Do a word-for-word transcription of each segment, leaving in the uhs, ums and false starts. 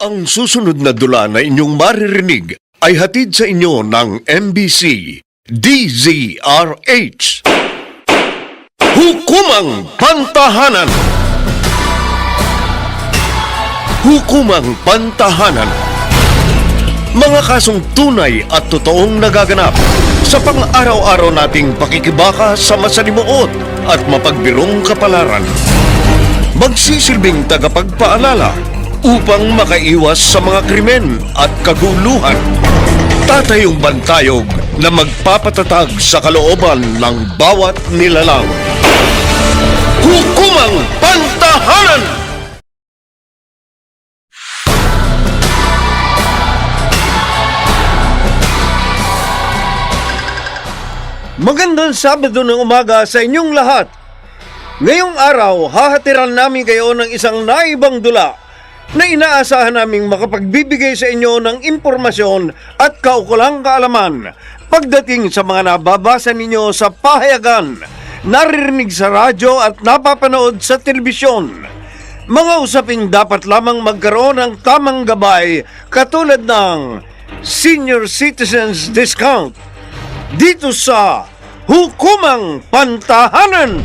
Ang susunod na dula na inyong maririnig ay hatid sa inyo ng M B C D Z R H. Hukumang Pantahanan. Hukumang Pantahanan. Mga kasong tunay at totoong nagaganap sa pang-araw-araw nating pakikibaka sa masalimuot at mapagbirong kapalaran. Magsisilbing tagapagpaalala upang makaiwas sa mga krimen at kaguluhan. Tatayong bantayog na magpapatatag sa kalooban ng bawat nilalang. Hukumang Pantahanan! Magandang Sabado ng umaga sa inyong lahat. Ngayong araw, hahatiran namin kayo ng isang naibang dula na inaasahan naming makapagbibigay sa inyo ng impormasyon at kaukulang kaalaman pagdating sa mga nababasa ninyo sa pahayagan, naririnig sa radyo at napapanood sa telebisyon. Mga usaping dapat lamang magkaroon ng tamang gabay katulad ng Senior Citizens Discount dito sa Hukumang Pantahanan.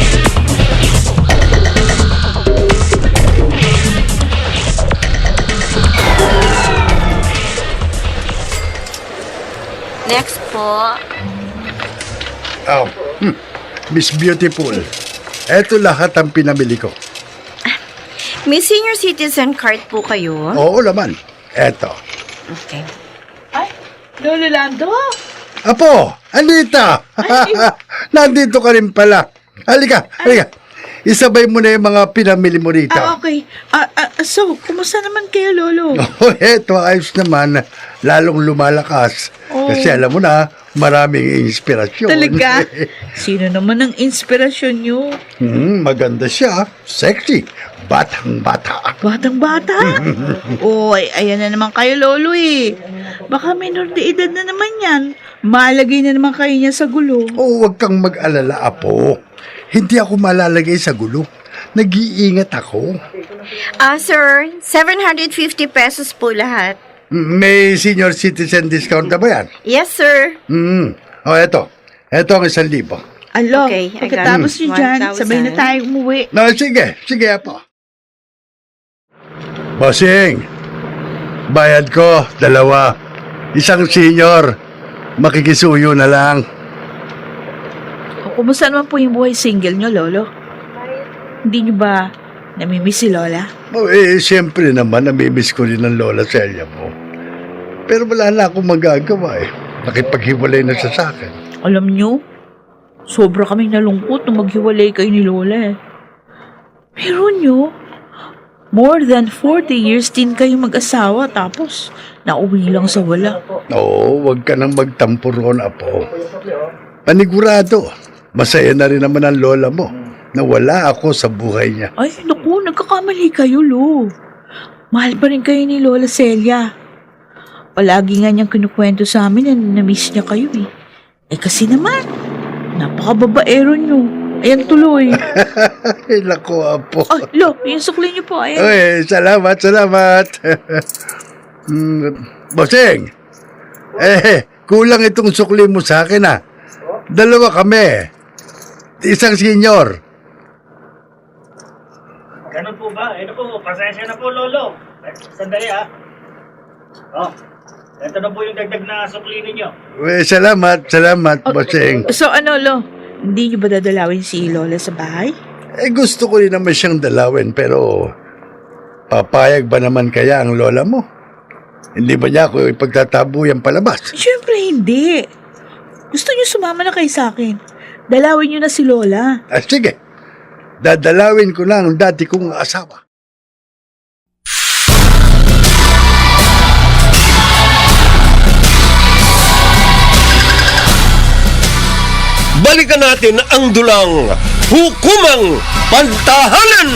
Next po. Oh, hmm. Miss Beautiful, eto lahat ang pinamili ko. May senior citizen card po kayo? Oo naman, eto. Okay. Ay, Lolo Lando! Apo, Anita! Nandito ka rin pala. Halika, halika. Isabay mo na yung mga pinamili mo rito. Ah, okay. Ah, ah, so, kumusta naman kayo, Lolo? Oh, eto, ayos naman. Lalong lumalakas. Oh. Kasi alam mo na, maraming inspirasyon. Talaga? Sino naman ang inspirasyon nyo? Hmm, maganda siya. Sexy. Batang-bata. Batang-bata? Oy, ayan na naman kayo, Lolo eh. Baka minor de edad na naman yan. Malagay na naman kayo niya sa gulo. Oh, huwag kang mag-alala, Apo. Hindi ako malalagay sa gulo. Nag-iingat ako. Ah, sir, seven hundred fifty pesos po lahat. May senior citizen discount na ba yan? Yes, sir. Hmm. O, eto. Eto ang isang libo. Alo, Okay, I got pagkatapos it. nyo dyan, one thousand. sabay na tayo umuwi. No, sige. Sige, Apo. Bossing. Bayad ko, dalawa. Isang senior. Makikisuyo na lang. O, kumusta naman po yung buhay single nyo, Lolo? Hindi nyo ba namimiss si Lola? Oh, eh, siyempre naman, namimiss ko rin ang lola Celia mo. Pero wala na akong magagawa eh. Nakipaghiwalay na siya sa akin. Alam nyo, sobra kaming nalungkot nung maghiwalay kayo ni Lola eh. Pero nyo, more than forty years din kayo mag-asawa tapos nauwi lang sa wala. Oo, wag ka nang magtampo roon, Apo. Panigurado, masaya na rin naman ang lola mo na wala ako sa buhay niya. Ay, naku, nagkakamali kayo, Lo. Mahal pa rin kayo ni Lola Celia. Palagi nga niyang kinukwento sa amin na na-miss niya kayo eh. Eh kasi naman, napakababaero niyo. Ayan tuloy. Ay, naku, Apo. Ay, Lo, yung sukli niyo po, ayan. Ay, salamat, salamat. Hmm, Bossing, eh, kulang itong sukli mo sa akin ah. Dalawa kami. Isang senior. Ganun po ba? Ito po, pasensya na po, Lolo. Eh, Sandali ah. Oh, ito na po yung dagdag na sukli ninyo. Eh, salamat, salamat, Bossing. So ano, Lo, hindi niyo ba dadalawin si Lola sa bahay? Eh, gusto ko rin naman siyang dalawin, pero papayag ba naman kaya ang lola mo? Hindi ba niya ako ipagtatabuyan palabas? Siyempre hindi. Gusto niyo sumama na kayo sa akin. Dalawin niyo na si Lola. Ah, sige, dadalawin ko na ang dati kong asawa. Balikan natin ang dulang Hukumang Pantahanan!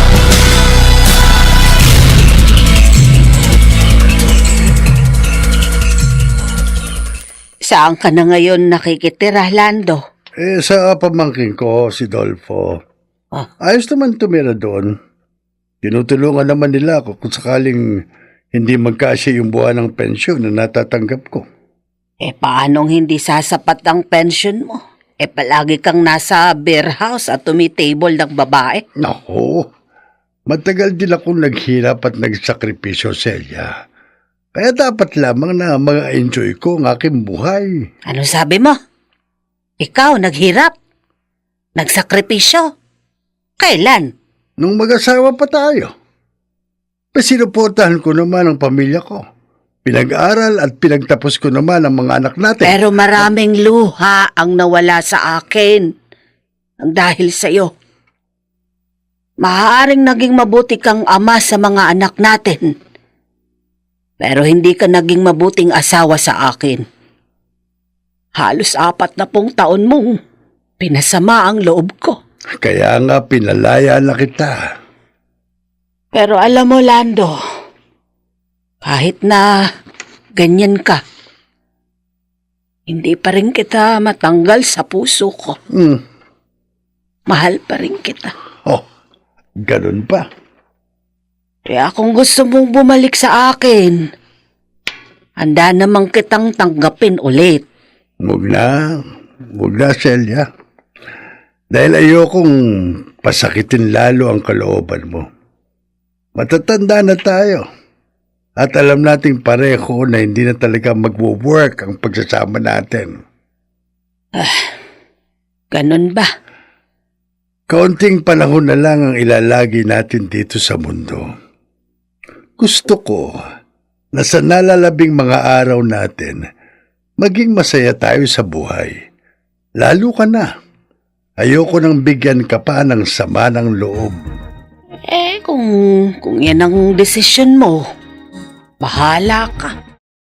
Saan ka na ngayon nakikitira, Lando? Eh, sa pamangkin ko, si Dolfo. Ah. Ayos naman tumira doon. Tinutulungan naman nila ako kung sakaling hindi magkasya yung buwan ng pensyon na natatanggap ko. Eh paanong hindi sasapat ang pension mo? Eh palagi kang nasa beer house at tumitable ng babae. Nako, matagal din akong naghirap at nagsakripisyo, Celia. Kaya dapat lamang na ma-enjoy ko ang aking buhay. Ano sabi mo? Ikaw naghirap? Nagsakripisyo? Kailan? Nung mag-asawa pa tayo, pasinuportahan ko naman ang pamilya ko. Pinag-aral at pinagtapos ko naman ang mga anak natin. Pero maraming luha ang nawala sa akin ang dahil sa'yo. Maaaring naging mabuti kang ama sa mga anak natin. Pero hindi ka naging mabuting asawa sa akin. Halos apat na pong taon mong pinasama ang loob ko. Kaya nga pinalaya na kita. Pero alam mo, Lando, kahit na ganyan ka, hindi pa rin kita matanggal sa puso ko. Hmm. Mahal pa rin kita. Oh, ganun pa. Kaya kung gusto mong bumalik sa akin, handa namang kitang tanggapin ulit. Huwag na, huwag na, Celia. Dahil ayokong pasakitin lalo ang kalooban mo. Matatanda na tayo. At alam nating pareho na hindi na talaga magwo-work ang pagsasama natin. Ganun ba? Kaunting panahon na lang ang ilalagi natin dito sa mundo. Gusto ko na sa nalalabing mga araw natin, maging masaya tayo sa buhay. Lalo ka na. Ayoko nang bigyan ka pa ng sama ng loob. Eh, kung, kung yan ang desisyon mo, bahala ka.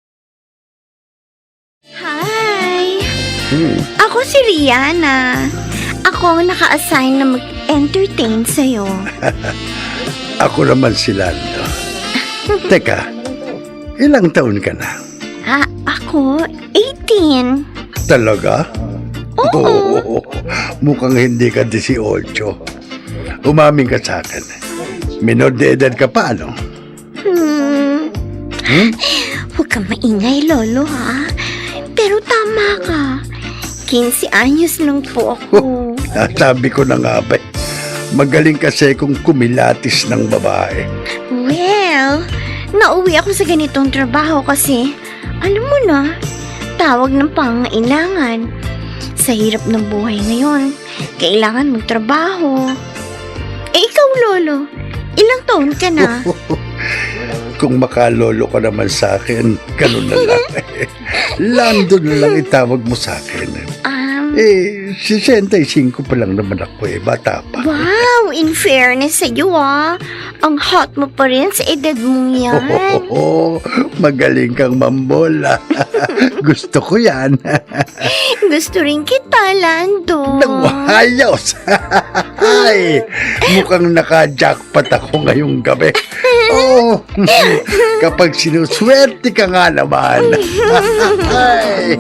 Hi! Hmm. Ako si Rihanna. Ako ang naka-assign na mag-entertain sa'yo. Ako naman si Lando. Teka, ilang taon ka na? Ah, ako, eighteen. Talaga? Oo. Mukhang hindi ka eighteen. Umamin ka sa akin. Minor de edad ka pa, ano? Hmm. Hmm? Huwag kang maingay, Lolo, ha? Pero tama ka. fifteen anyos lang po ako. Sabi ko na nga ba, magaling kasi kung kumilatis ng babae. Well, nauwi ako sa ganitong trabaho kasi, alam mo na, tawag ng pangailangan. Sa hirap ng buhay ngayon, kailangan magtrabaho. Eh ikaw, Lolo, ilang taon ka na? Kung makalolo ka naman sa akin, ganun na lang. Lando na lang itawag mo sa akin. Um, Eh, sixty-five pa lang naman ako eh, bata pa. wow, in fairness sa'yo, ah. Ang hot mo pa rin sa edad mong yan. Oo, magaling kang mambola. Gusto ko yan. Gusto rin kita, Lando. Nawayos! Ay, mukhang naka-jackpot ako ngayong gabi. Oo, kapag sinuswerte ka nga naman. Ay.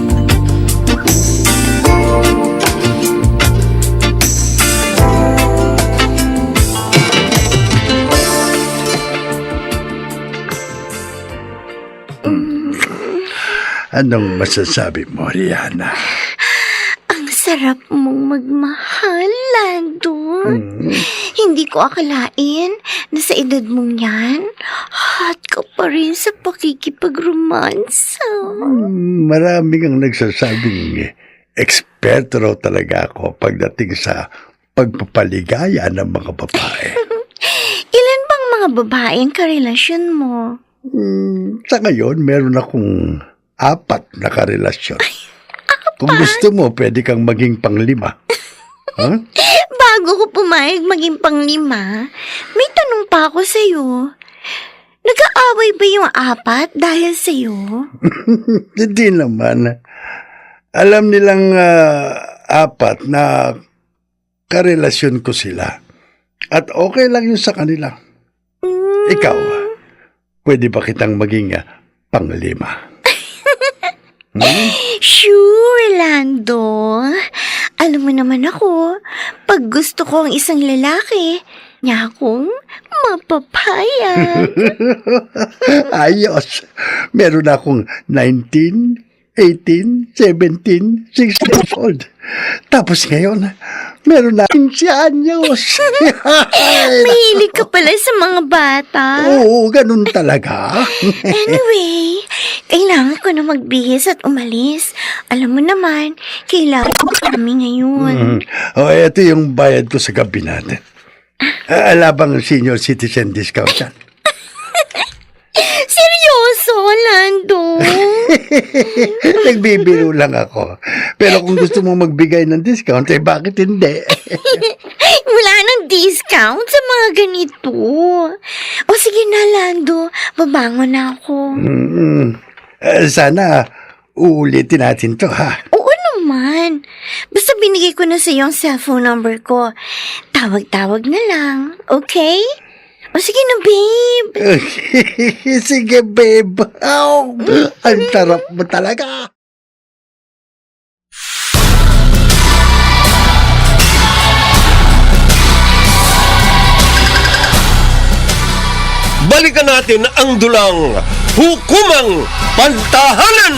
Anong masasabi mo, Rihanna? Ang sarap mong magmahal, Lando. Hmm. Hindi ko akalain na sa edad mong yan, hot ka pa rin sa pakikipag-romansa. Hmm, Marami kang nagsasabing eksperto raw talaga ako pagdating sa pagpapaligaya ng mga babae. Ilan bang mga babae ang karelasyon mo? Hmm, sa ngayon, meron akong apat na karelasyon. Kung gusto mo, pwede kang maging panglima. Huh? Bago ko pumayag maging panglima, may tanong pa ako sa'yo. Nag-aaway ba yung apat dahil sa'yo? Hindi naman. Alam nilang ah, apat na karelasyon ko sila. At okay lang yun sa kanila. Ikaw, pwede ba kitang maging ah, panglima? Hmm? Sure, Lando. Alam mo naman ako, pag gusto ko ang isang lalaki, niya akong mapapayag. Ayos. Meron akong nineteen, eighteen, seventeen, sixteen years old. Tapos ngayon, meron na fifteen anyos. Mahilig ka pala sa mga bata. Oo, ganun talaga. Anyway, kailangan ko na magbihis at umalis. Alam mo naman, kailangan ko kami ngayon. Mm. O, ito yung bayad ko sa gabi natin. Ah, Alabang senior citizen discount yan. Seryoso, Lando? Nagbibiro lang ako. Pero kung gusto mo magbigay ng discount, eh bakit hindi? Wala nang discount sa mga ganito. O sige na, Lando. Babangon na ako. Mm, eh, sana uulitin natin to, ha? Oo naman. Basta binigay ko na sa iyo ang cellphone number ko. Tawag-tawag na lang, okay? O sige na, babe. Sige, babe. Ow, ang sarap mo talaga. Balikan natin ang dulang Hukumang Pantahanan!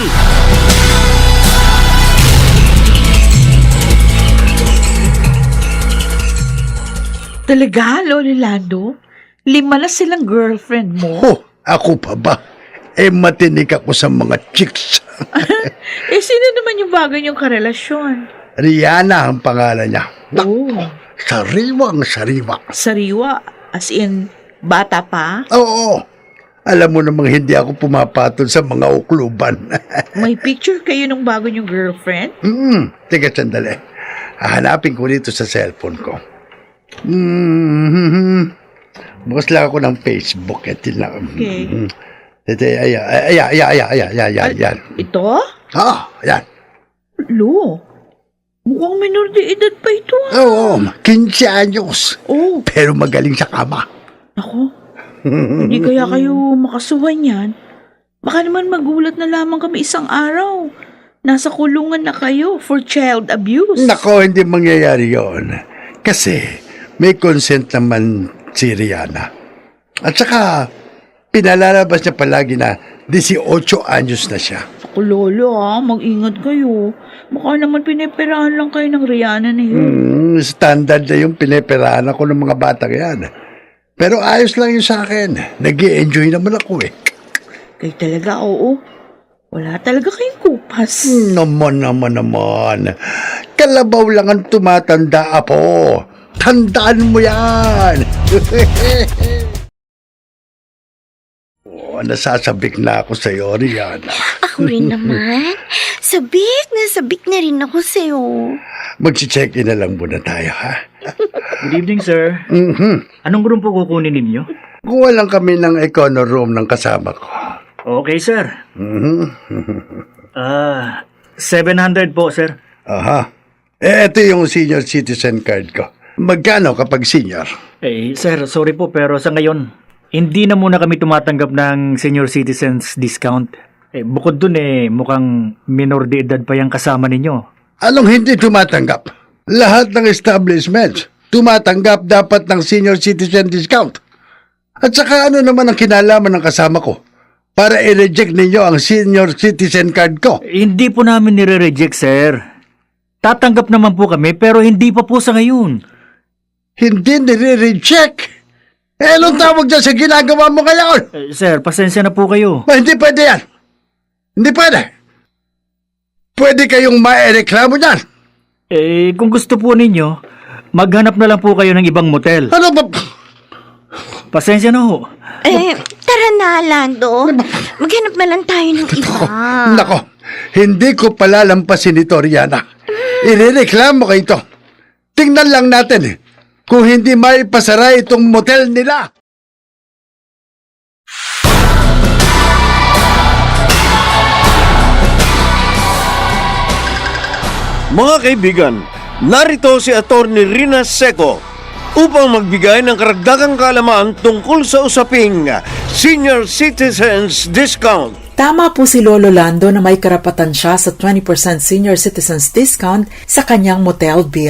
Talaga, Lolo Lando? Lima na silang girlfriend mo? Oh, ako pa ba? Eh, matinik ako sa mga chicks. Eh, sino naman yung bago niyong karelasyon? Rihanna ang pangalan niya. Oh, Sariwang sariwa. sariwa. As in, bata pa? Oo. Alam mo namang hindi ako pumapatol sa mga ukluban. May picture kayo ng bago niyong girlfriend? Hmm, teka sandali. Hahanapin ko dito sa cellphone ko. Hmm, bukas lang ako ng Facebook. Ito lang. Okay. Hmm. Ito, ayan, ayan, ayan, ayan, ayan, ayan, ayan. Ito? Ah, ayan. Lo, mukhang minor de edad pa ito. ah. Oo, quince anyos. Oh, Pero magaling sa kama. ako. Hindi kaya kayo makasuhan yan? Baka naman magulat na lamang kami isang araw. Nasa kulungan na kayo for child abuse. Nako, hindi mangyayari yon. Kasi may consent naman si Rihanna. At saka, pinalalabas niya palagi na eighteen anyos na siya. Ako, Lolo, ah, mag-ingat kayo. Baka naman piniperahan lang kayo ng Rihanna na yun. Hmm, standard na yung piniperahan ako ng mga batang yan. Pero ayos lang yun sa akin. Nag-i-enjoy naman ako eh. Kayo talaga, oo. Wala talaga kayong kupas. Naman, naman, naman. Kalabaw lang ang tumatanda, apo. Tandaan mo yan. Oh, nasasabik na ako sa iyo, Rihanna. Ako rin naman. Sabik na sabik na rin ako sa'yo. Mag-check-in na lang muna tayo, ha? Good evening, sir. Mhm. Anong room po kukunin ninyo? Kuha lang kami ng econo room ng kasama ko. Okay, sir. Mhm. Ah, seven hundred po, sir. Aha. Eh, ito yung senior citizen card ko. Magkano kapag senior? Eh, sir, sorry po pero sa ngayon, hindi na muna kami tumatanggap ng senior citizens discount. Eh, bukod dun eh, mukhang minor de edad pa yung kasama ninyo. Anong hindi tumatanggap? Lahat ng establishments tumatanggap dapat ng senior citizen discount. At saka ano naman ang kinalaman ng kasama ko para i-reject ninyo ang senior citizen card ko? Eh, hindi po namin nire-reject, sir. Tatanggap naman po kami pero hindi pa po sa ngayon. Hindi nire-reject. Eh, anong tawag dyan sa ginagawa mo ngayon? Eh, sir, pasensya na po kayo. Ba, hindi pwede yan. Hindi pwede. Pwede kayong maereklamo dyan. Eh, kung gusto po ninyo, maghanap na lang po kayo ng ibang motel. Ano ba? Pasensya na ho. Eh, tara na, Lando. Maghanap na lang tayo ng iba. Nako, hindi ko palalampasin ito, Rihanna. Irereklamo kayo ito. Tingnan lang natin eh, kung hindi maipasara itong motel nila. Mga kaibigan, narito si Attorney Rina Seco upang magbigay ng karagdagang kaalaman tungkol sa usaping Senior Citizens Discount. Tama po si Lolo Lando na may karapatan siya sa twenty percent senior citizens discount sa kanyang motel bill.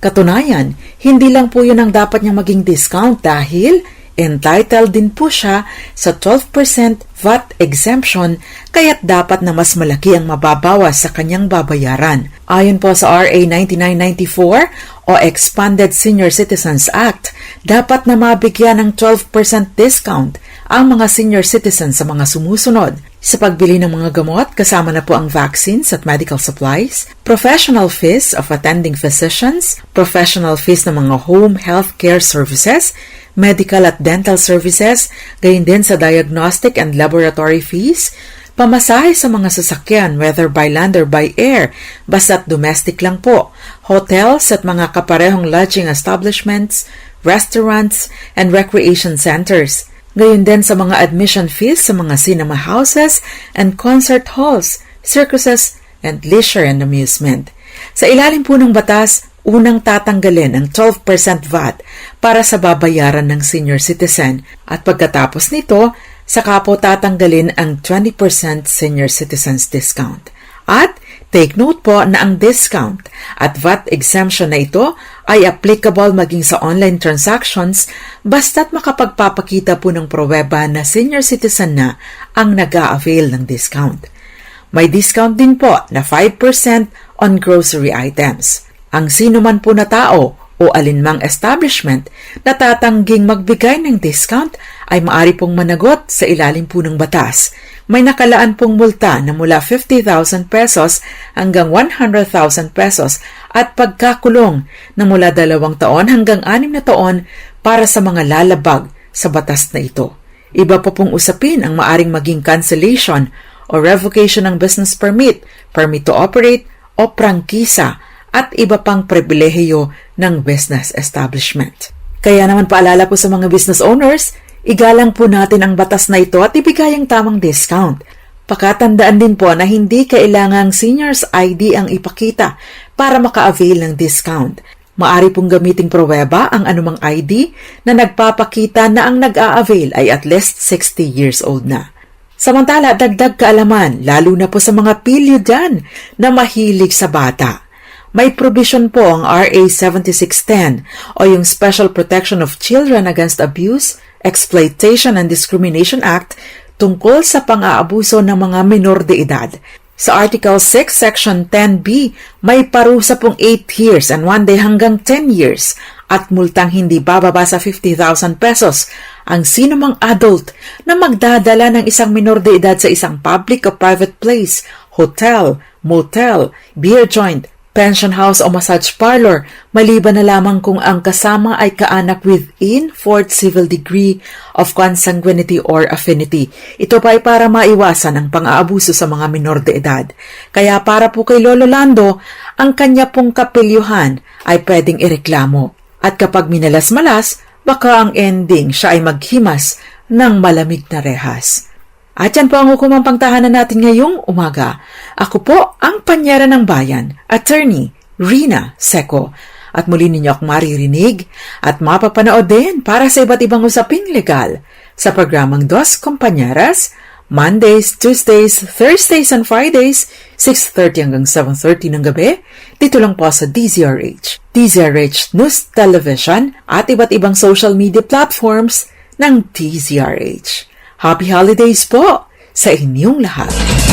Katunayan, hindi lang po yun ang dapat niyang maging discount dahil entitled din po siya sa twelve percent V A T exemption kaya't dapat na mas malaki ang mababawas sa kanyang babayaran. Ayon po sa R A ninety-nine ninety-four o Expanded Senior Citizens Act, dapat na mabigyan ng twelve percent discount ang mga senior citizens sa mga sumusunod. Sa pagbili ng mga gamot, kasama na po ang vaccines at medical supplies, professional fees of attending physicians, professional fees ng mga home health care services, medical at dental services, gayon din sa diagnostic and laboratory fees, pamasahe sa mga sasakyan whether by land or by air, basta't domestic lang po, hotels at mga kaparehong lodging establishments, restaurants, and recreation centers. Gayon din sa mga admission fees sa mga cinema houses and concert halls, circuses, and leisure and amusement. Sa ilalim po ng batas, unang tatanggalin ang twelve percent V A T para sa babayaran ng senior citizen at pagkatapos nito, saka po tatanggalin ang twenty percent senior citizens discount. At take note po na ang discount at V A T exemption na ito ay applicable maging sa online transactions basta't makapagpapakita po ng pruweba na senior citizen na ang nag-a-avail ng discount. May discount din po na five percent on grocery items. Ang sino man po na tao o alinmang establishment na tatangging magbigay ng discount ay maaari pong managot sa ilalim po ng batas. May nakalaan pong multa na mula fifty thousand pesos hanggang one hundred thousand pesos at pagkakulong na mula dalawang taon hanggang anim na taon para sa mga lalabag sa batas na ito. Iba pa pong usapin ang maaring maging cancellation o revocation ng business permit, permit to operate o prangkisa at iba pang pribilehiyo ng business establishment. Kaya naman paalala po sa mga business owners, igalang po natin ang batas na ito at ibigay ang tamang discount. Pakatandaan din po na hindi kailangang senior's I D ang ipakita para maka-avail ng discount. Maari pong gamiting pruweba ang anumang I D na nagpapakita na ang nag-a-avail ay at least sixty years old na. Samantala, dagdag kaalaman, lalo na po sa mga pilyo dyan na mahilig sa bata. May provision po ang R A seventy-six ten o yung Special Protection of Children Against Abuse, Exploitation and Discrimination Act tungkol sa pang-aabuso ng mga minor de edad. Sa Article six, Section ten B, may parusa pong eight years and one day hanggang ten years at multang hindi bababa sa fifty thousand pesos ang sinumang adult na magdadala ng isang minor de edad sa isang public o private place, hotel, motel, beer joint, pension house o massage parlor, maliban na lamang kung ang kasama ay kaanak within fourth civil degree of consanguinity or affinity. Ito pa ay para maiwasan ang pang-aabuso sa mga minor de edad. Kaya para po kay Lolo Lando, ang kanya pong kapilyuhan ay pwedeng ireklamo. At kapag minalas-malas, baka ang ending siya ay maghimas ng malamig na rehas. At yan po ang hukumang pangtahanan natin ngayong umaga. Ako po ang panyera ng bayan, Attorney Rina Seco. At muli ninyo akong maririnig at mapapanood din para sa iba't ibang usaping legal sa programang Dos Compañeras, Mondays, Tuesdays, Thursdays, and Fridays, six thirty hanggang seven thirty ng gabi, dito lang po sa D Z R H, D Z R H News Television at iba't ibang social media platforms ng D Z R H. Happy Holidays po sa inyong lahat.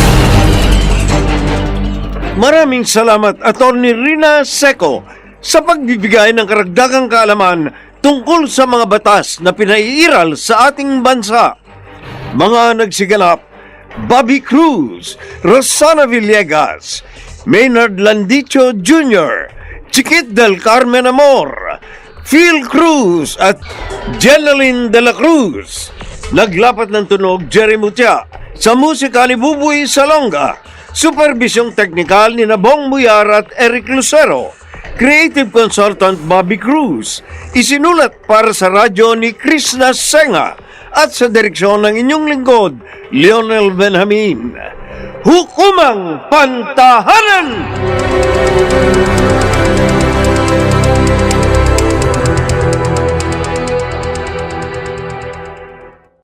Maraming salamat, Attorney Rina Seco, sa pagbibigay ng karagdagang kaalaman tungkol sa mga batas na pinaiiral sa ating bansa. Mga nagsiganap, Bobby Cruz, Rosana Villegas, Maynard Landicho Junior, Chiquit del Carmen Amor, Phil Cruz at Jeneline de la Cruz. Naglapat ng tunog, Jerry Mutia. Sa musika ni Bubuy Salonga. Supervisyong teknikal ni Nabong Muyar at Eric Lucero. Creative Consultant Bobby Cruz. Isinulat para sa radyo ni Krishna Senga. At sa direksyon ng inyong lingkod, Lionel Benjamin. Hukumang Pantahanan!